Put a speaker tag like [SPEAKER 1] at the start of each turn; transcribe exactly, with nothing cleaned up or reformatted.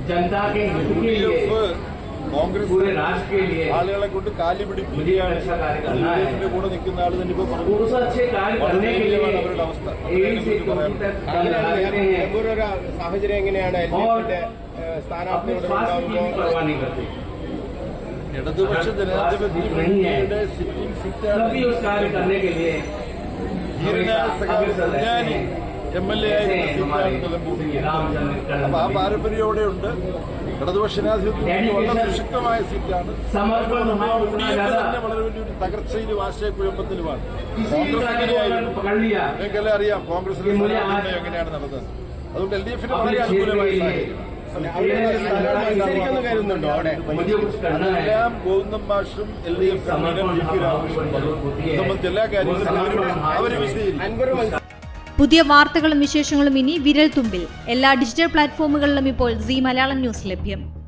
[SPEAKER 1] जनता के हित के लिए,
[SPEAKER 2] കോൺഗ്രസ്
[SPEAKER 1] पूरे राष्ट्र के लिए
[SPEAKER 2] ആളുകളെ കൊണ്ട് കാലി പിടിപ്പിക്കുകയാണ്.
[SPEAKER 1] अच्छा कार्य करना है।
[SPEAKER 2] യുഡിഎഫിന്റെ കൂടെ നിൽക്കുന്ന ആൾ തന്നെ ഇപ്പോൾ പറഞ്ഞു.
[SPEAKER 1] उस अच्छे कार्य करने के लिए
[SPEAKER 2] അവരുടെ അവസ്ഥ
[SPEAKER 1] एडी से चौकी तक दम लगाते हैं
[SPEAKER 3] ഒരു സാഹചര്യം എങ്ങനെയാണ്
[SPEAKER 1] और
[SPEAKER 3] സ്ഥാനാർത്ഥികളുടെ
[SPEAKER 1] अपने स्वास्थ्य की भी परवाह नहीं करते।
[SPEAKER 2] ഇടതുപക്ഷ ജനാധിപത്യ മുന്നണിയുടെ സിറ്റിംഗ് സീറ്റാണ്.
[SPEAKER 1] तभी उस कार्य करने के लिए
[SPEAKER 2] ധീരനായ സഖാവ് എം എൽ എ ആയിരുന്ന സീറ്റാണ് നിലമ്പൂർ. അപ്പൊ ആ പാരമ്പര്യം അവിടെ ഉണ്ട്. ഇടതുപക്ഷ ജനാധിപത്യം വളരെ സുശക്തമായ സീറ്റാണ്. തന്നെ വളരെ വലിയൊരു തകർച്ചയിലും ആശയക്കുഴപ്പത്തിലുമാണ്. കോൺഗ്രസ് എങ്ങനെയായിരുന്നു നിങ്ങൾക്കെല്ലാം അറിയാം. കോൺഗ്രസിന്റെ എങ്ങനെയാണ് നടന്നത്. അതുകൊണ്ട് എൽ ഡി എഫിന് വളരെ അനുകൂലമായ സാഹചര്യം. എല്ലാം ഗോവിന്ദൻ മാഷും എൽ ഡി എഫ് സംബന്ധിച്ച എല്ലാ കാര്യങ്ങളും അവര് വിശദീകരിക്കും.
[SPEAKER 4] പുതിയ വാർത്തകളും വിശേഷങ്ങളും ഇനി വിരൽ തുമ്പിൽ. എല്ലാ ഡിജിറ്റൽ പ്ലാറ്റ്ഫോമുകളിലും ഇപ്പോൾ സീ മലയാളം ന്യൂസ് ലഭ്യം.